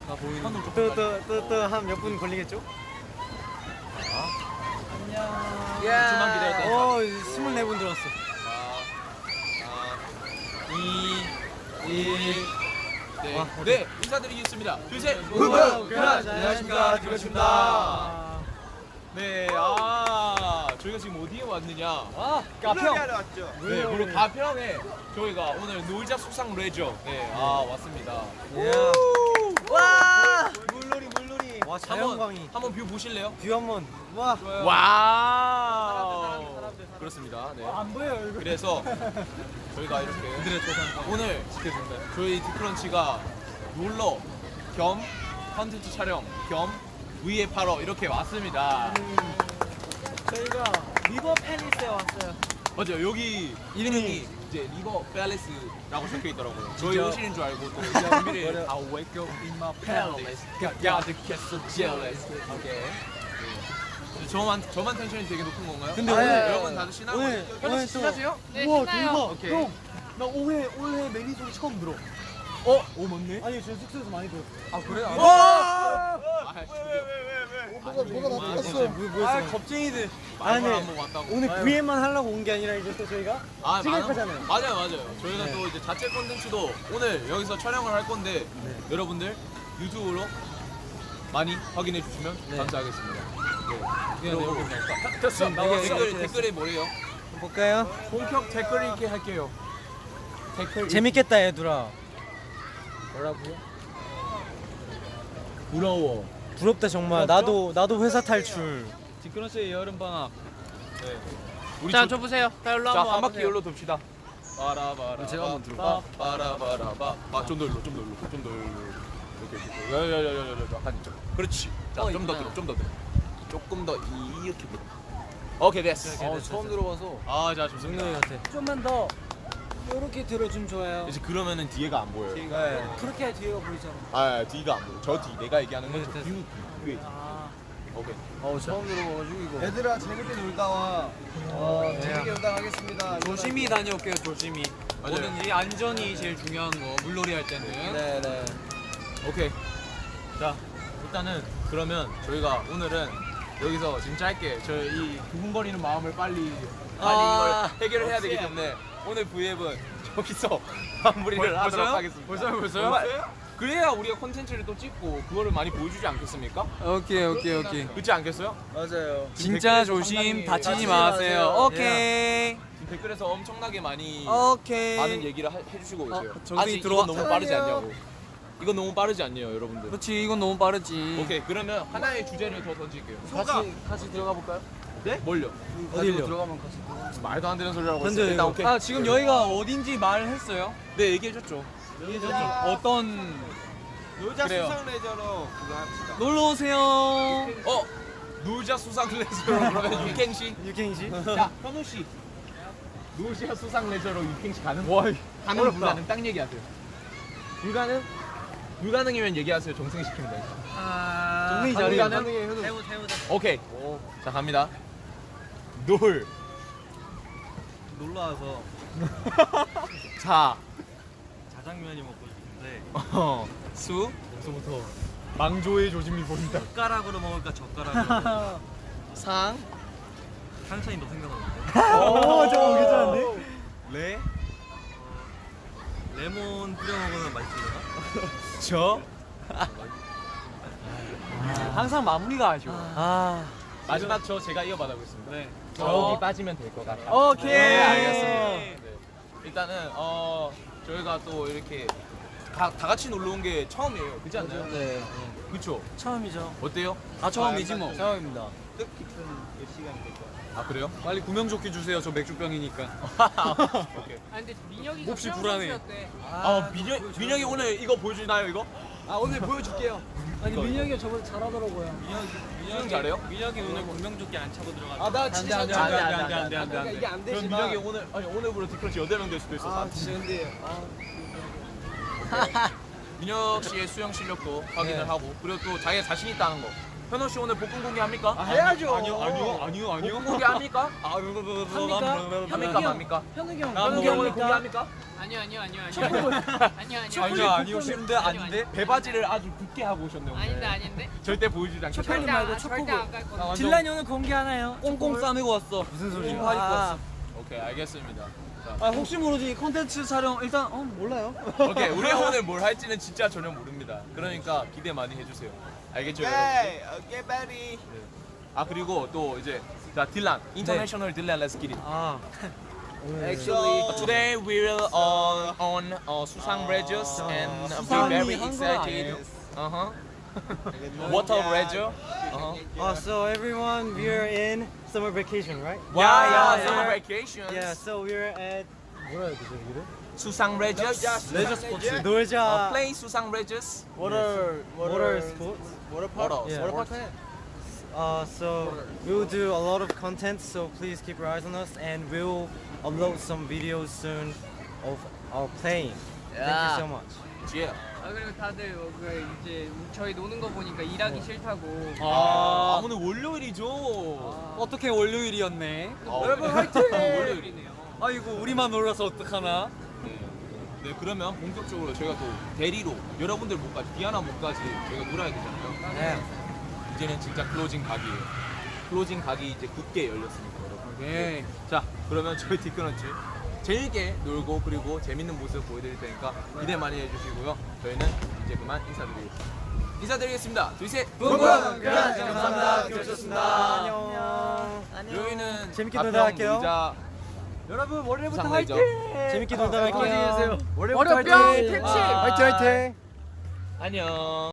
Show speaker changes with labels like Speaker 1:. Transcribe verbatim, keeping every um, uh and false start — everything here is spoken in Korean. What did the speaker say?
Speaker 1: 아 보이는
Speaker 2: 또또또또 한 몇 분 걸리겠죠?
Speaker 1: 안녕.
Speaker 3: 좀만 기다렸다.
Speaker 2: 어, 스물네 분 들었어.
Speaker 3: 이, 일. 네.
Speaker 2: 와,
Speaker 3: 네, 인사드리겠습니다. 둘, 셋.
Speaker 2: 후보
Speaker 3: 그라지. 안녕하십니까. 디거십니다. 네, 아, 저희가 지금 어디에 왔느냐?
Speaker 2: 아,
Speaker 4: 가평 왔죠.
Speaker 3: 네, 바로 가평에 저희가 오늘 놀자 수상 레저. 네, 아, 왔습니다.
Speaker 2: 와! 물놀이 물놀이. 와, 자연광이.
Speaker 3: 한번, 한번 뷰 보실래요?
Speaker 2: 뷰 한번. 와.
Speaker 3: 와우. 그렇습니다. 네.
Speaker 2: 안 보여 얼굴.
Speaker 3: 그래서 저희가 이렇게 오늘 저희 디크런치가 놀러 겸 컨텐츠 촬영 겸 위에 팔어 이렇게 왔습니다.
Speaker 2: 저희가 리버 팰리스에 왔어요.
Speaker 3: 맞아요. 여기 이름이 이제 리버 팰리스라고 적혀 있더라고요. 저희 오시는 줄 알고 또 준비를 I wake up in my palace. God get so jealous. 오케이. 저만 저만 텐션이 되게 높은 건가요?
Speaker 2: 근데
Speaker 3: 아,
Speaker 2: 오늘-
Speaker 3: 여러분 다들 신나고
Speaker 2: 오늘- 오늘 또-
Speaker 3: 신나세요?
Speaker 1: 네,
Speaker 2: 우와,
Speaker 1: 신나요.
Speaker 2: 대박.
Speaker 3: 오케이.
Speaker 2: 형, 나 올해 올해 매니 소리 처음 들어.
Speaker 3: 어? 오 맞네.
Speaker 2: 아니, 저 숙소에서 많이 들었어.
Speaker 3: 아 그래요?
Speaker 2: 와!
Speaker 3: 뭐가
Speaker 2: 뭐가
Speaker 3: 나타났어?
Speaker 2: 뭐,
Speaker 3: 아
Speaker 2: 겁쟁이들.
Speaker 3: 말만
Speaker 2: 아니,
Speaker 3: 한번 왔다고.
Speaker 2: 오늘 브이엠만 하려고 온 게 아니라 이제 또 저희가
Speaker 3: 아,
Speaker 2: 티격하잖아요.
Speaker 3: 맞아요, 맞아요. 저희가
Speaker 2: 네.
Speaker 3: 또 이제 자체 콘텐츠도 오늘 여기서 촬영을 할 건데
Speaker 2: 네.
Speaker 3: 여러분들 유튜브로 많이 확인해 주시면
Speaker 2: 네.
Speaker 3: 감사하겠습니다. 네.
Speaker 2: 그리고
Speaker 3: 됐어.
Speaker 2: 네, 네,
Speaker 3: 댓글
Speaker 2: 네,
Speaker 3: 댓글에 뭐래요?
Speaker 2: 볼까요?
Speaker 3: 본격 댓글 읽기 할게요. 댓글
Speaker 2: 재밌겠다, 얘들아. 뭐라고요?
Speaker 3: 부러워.
Speaker 2: 부럽다 정말. 나도 나도 회사 탈출.
Speaker 1: 디크런스의 여름 방학.
Speaker 3: 네. 우리
Speaker 1: 자,
Speaker 3: 저-
Speaker 1: 저 보세요. 자, 일로
Speaker 3: 자,
Speaker 1: 한번
Speaker 3: 한 바퀴
Speaker 1: 와보세요.
Speaker 3: 열로 돕시다. 바라바라.
Speaker 1: 제가 한번
Speaker 3: 들어봐. 바라바라바. 아, 좀더 열로, 좀 더 열로, 좀 더 열로. 이렇게 이렇게. 야야야야야야. 한 점. 그렇지. 자,
Speaker 1: 어,
Speaker 3: 좀 더
Speaker 1: 있구나.
Speaker 3: 들어, 좀 더 들어. 조금 더 이렇게 들어. 오케이 됐어.
Speaker 2: 어, 처음 들어봐서.
Speaker 3: 아, 자 좋습니다.
Speaker 2: 능력이 같아. 좀만 더 이렇게 들어주면 좋아요.
Speaker 3: 이제 그러면은 뒤에가 안 보여요.
Speaker 2: 네. 그렇게 해야 뒤가 보이잖아.
Speaker 3: 아, 뒤가 안 보여. 저 뒤, 내가 얘기하는 건
Speaker 2: 네,
Speaker 3: 저
Speaker 2: 됐어.
Speaker 3: 뒤 뒤에.
Speaker 2: 아,
Speaker 3: 오케이.
Speaker 2: 어 처음 들어봐가지고 이거.
Speaker 4: 얘들아 재밌게 놀다 와. 어,
Speaker 2: 네.
Speaker 4: 재밌게 놀다 가겠습니다.
Speaker 1: 조심히 다녀올게요, 조심히.
Speaker 3: 맞아요.
Speaker 1: 뭐든지 안전이 제일 중요한 거. 물놀이 할 때는.
Speaker 2: 네네.
Speaker 3: 오케이. 자, 일단은 그러면 저희가 오늘은 여기서 지금 짧게 저희 이 두근거리는 마음을 빨리 빨리
Speaker 2: 아,
Speaker 3: 이걸 해결을 해야 되기 때문에 오늘 브이앱은 저기서 마무리를
Speaker 1: 벌-
Speaker 3: 하도록
Speaker 1: 벌써요?
Speaker 3: 하겠습니다.
Speaker 1: 벌써요, 벌써요?
Speaker 3: 정말 그래야 우리가 콘텐츠를 또 찍고 그거를 많이 보여주지 않겠습니까?
Speaker 1: 오케이, 오케이, 오케이.
Speaker 3: 그렇지 않겠어요?
Speaker 4: 맞아요.
Speaker 1: 진짜
Speaker 3: 댓글에서
Speaker 1: 조심,
Speaker 3: 상당히
Speaker 1: 다치지
Speaker 2: 다치지
Speaker 1: 마세요.
Speaker 2: 마세요.
Speaker 1: 오케이.
Speaker 3: 지금 댓글에서 엄청나게 많이
Speaker 1: 오케이.
Speaker 3: 많은 얘기를 하- 해주시고 계세요.
Speaker 1: 정승이
Speaker 3: 아직
Speaker 1: 들어와-
Speaker 3: 이건 너무 빠르지 않냐고. 이건 너무 빠르지 않냐요, 여러분들.
Speaker 1: 그렇지, 이건 너무 빠르지.
Speaker 3: 오케이, 그러면 하나의 주제를 더 던질게요.
Speaker 2: 같이 같이 들어가 볼까요?
Speaker 3: 네? 뭘요?
Speaker 2: 어디로?
Speaker 4: 들어가면 같이.
Speaker 3: 말도 안 되는 소리라고
Speaker 2: 던져요,
Speaker 3: 했어요. 일단
Speaker 2: 이거.
Speaker 3: 오케이.
Speaker 1: 아, 지금 여기가 어딘지 말했어요?
Speaker 3: 네, 얘기해줬죠.
Speaker 1: 어떤
Speaker 4: 놀자
Speaker 3: 그래요.
Speaker 4: 수상 레저로 그거 합시다.
Speaker 1: 놀러 오세요.
Speaker 3: 어? 놀자 수상 레저로 그러면 육행시?
Speaker 2: 육행시?
Speaker 3: 자, 현우 씨. 놀자 수상 레저로 육행시 가능? 와, 가능
Speaker 2: 어렵다.
Speaker 3: 불가능 딱 얘기하세요. 불가능? 불가능이면 얘기하세요. 정승이 시키면 돼요.
Speaker 2: 아.
Speaker 3: 정민이 자리.
Speaker 2: 가능해. 해보자 해보자.
Speaker 3: 오케이. 자, 갑니다. 놀.
Speaker 2: 놀러 와서
Speaker 3: 자.
Speaker 2: 자장면이 먹고 싶은데
Speaker 3: 어. 수.
Speaker 2: 여기서부터
Speaker 3: 망조의 조짐이 보인다.
Speaker 2: 젓가락으로 먹을까 젓가락으로.
Speaker 3: 상.
Speaker 2: 상찬이 너 생각나는데?
Speaker 3: 오,
Speaker 2: 저거 괜찮은데?
Speaker 3: 레.
Speaker 2: 레몬 뿌려 먹으면 맛있을려나?
Speaker 3: 저.
Speaker 1: 항상 마무리가 아쉬워.
Speaker 2: 아.
Speaker 3: 마지막 저 제가 이어받아보겠습니다.
Speaker 1: 네.
Speaker 3: 저기 빠지면 될 것 같아요.
Speaker 1: 오케이.
Speaker 3: 네, 알겠습니다. 네. 일단은 어 저희가 또 이렇게 다, 다 같이 놀러 온 게 처음이에요. 그렇지 않나요?
Speaker 2: 네.
Speaker 3: 그렇죠.
Speaker 2: 처음이죠.
Speaker 3: 어때요?
Speaker 1: 다 처음이지 뭐.
Speaker 2: 처음입니다.
Speaker 4: 뜻깊은 몇 시간이 될 거야.
Speaker 3: 아 그래요?
Speaker 1: 빨리 구명조끼 주세요. 저 맥주병이니까.
Speaker 3: 오케이.
Speaker 5: 아 근데 민혁이가
Speaker 1: 몹시 불안해.
Speaker 3: 아 민혁 민혁이 오늘 이거 보여주나요 이거?
Speaker 4: 아 오늘 보여줄게요.
Speaker 2: 아니
Speaker 3: 이거,
Speaker 2: 민혁이가 저번에 잘하더라고요.
Speaker 3: 수영 잘해요?
Speaker 2: 민혁이 오늘 구명조끼 안 차고 들어가.
Speaker 4: 아나
Speaker 3: 안
Speaker 4: 진짜
Speaker 3: 돼, 안 돼, 안 돼, 안 돼,
Speaker 4: 아,
Speaker 3: 안 돼, 안 돼,
Speaker 4: 그러니까
Speaker 3: 안 돼.
Speaker 4: 이게 안
Speaker 3: 그럼
Speaker 4: 되지만.
Speaker 3: 민혁이 오늘 아니 오늘부로 디크런치 여덟 명 될 수도 있어.
Speaker 4: 아 진짜 근데 아,
Speaker 3: 민혁 씨의 수영 실력도 확인을
Speaker 2: 네.
Speaker 3: 하고 그리고 또 자기가 자신 있다는 거 현호 씨 오늘 볶음 공개 합니까?
Speaker 4: 해야죠.
Speaker 1: 아니요 아니요 아니요 아니요.
Speaker 3: 볶음 공개 합니까?
Speaker 1: 아,
Speaker 2: 합니까?
Speaker 3: 합니까? 맙니까?
Speaker 2: 현욱이 형.
Speaker 1: 아,
Speaker 3: 현욱이 형 오늘 공개합니까?
Speaker 5: 아니요 아니요 아니요 아니요 아니요 아니요
Speaker 1: 아니요 아니요 싫은데 아닌데.
Speaker 3: 배바지를 아주 굳게 하고 오셨네 오늘.
Speaker 5: 아닌데 아닌데
Speaker 3: 절대 보여주지 않겠다.
Speaker 2: 초콜릿
Speaker 5: 절대
Speaker 2: 말고
Speaker 5: 안- 절대
Speaker 2: 초코볼.
Speaker 5: 안 갈
Speaker 1: 아,
Speaker 5: 건데
Speaker 1: 완전
Speaker 2: 딜란이 오늘 공개하나요?
Speaker 1: 꽁꽁 싸매고 왔어. 무슨 소리야? 꽁꽁 입고 왔어.
Speaker 3: 오케이 알겠습니다. 자,
Speaker 1: 아 혹시 모르지 컨텐츠 촬영 일단 어 몰라요.
Speaker 3: 오케이 우리가 오늘 뭘 할지는 진짜 전혀 모릅니다. 그러니까 기대 많이 해주세요. 알겠죠? 여러분?
Speaker 4: 오케이, 오케이, 베리.
Speaker 3: 아 그리고 또 이제 자 딜란 인터내셔널 딜란 Let's get it.
Speaker 1: 아
Speaker 4: Actually,
Speaker 3: Uh, today we will uh, on uh, Susang Regis and uh, we're very excited. Uh huh. Water Regis. Uh huh.
Speaker 6: Oh, so everyone, we're in summer vacation, right?
Speaker 3: Yeah, yeah,
Speaker 6: yeah.
Speaker 3: summer vacations.
Speaker 6: Yeah, so we're at
Speaker 3: Susang Regis.
Speaker 1: 레저 스포츠.
Speaker 3: Uh,
Speaker 6: Norja
Speaker 3: play Susang Regis.
Speaker 4: water,
Speaker 6: Water Sports.
Speaker 4: water park.
Speaker 3: Water
Speaker 6: Yeah.
Speaker 3: sports.
Speaker 6: Uh, so we'll do a lot of content, so please keep your eyes on us, and we'll upload some videos soon of our playing. Thank you so much.
Speaker 3: Yeah.
Speaker 5: 아 그리고 다들 뭐 그 이제 저희 노는 거 보니까 일하기 싫다고
Speaker 3: 아,
Speaker 1: 아
Speaker 3: 오늘 월요일이죠.
Speaker 1: 어떻게 월요일이었네.
Speaker 3: 여러분 화이팅! 월요일이네요.
Speaker 1: 아이고 우리만 놀라서 어떡하나.
Speaker 3: 네. 네, 그러면 본격적으로 저희가 또 대리로 여러분들 목까지 디아나 목까지 저희가 놀아야 되잖아요.
Speaker 6: Yeah.
Speaker 3: 이제는 진짜 클로징 각이에요. 클로징 각이 이제 굳게 열렸습니다, 여러분.
Speaker 1: 오케이.
Speaker 3: 자, 그러면 저희 디크런치 재밌게 놀고 그리고 재밌는 모습 보여드릴 테니까 기대 많이 해주시고요. 저희는 이제 그만 인사드리겠습니다. 인사드리겠습니다. 둘, 셋.
Speaker 6: 감사합니다. 들어주셨습니다. 안녕.
Speaker 3: 여기는
Speaker 6: 재밌게
Speaker 3: 가평
Speaker 6: 놀다 갈게요.
Speaker 3: 의자
Speaker 1: 여러분 월요일부터
Speaker 3: 수상 레저.
Speaker 6: 재밌게 놀다 갈게요.
Speaker 1: 안녕히 계세요.
Speaker 5: 월요병 퇴치
Speaker 6: 화이팅 화이팅.
Speaker 3: 안녕.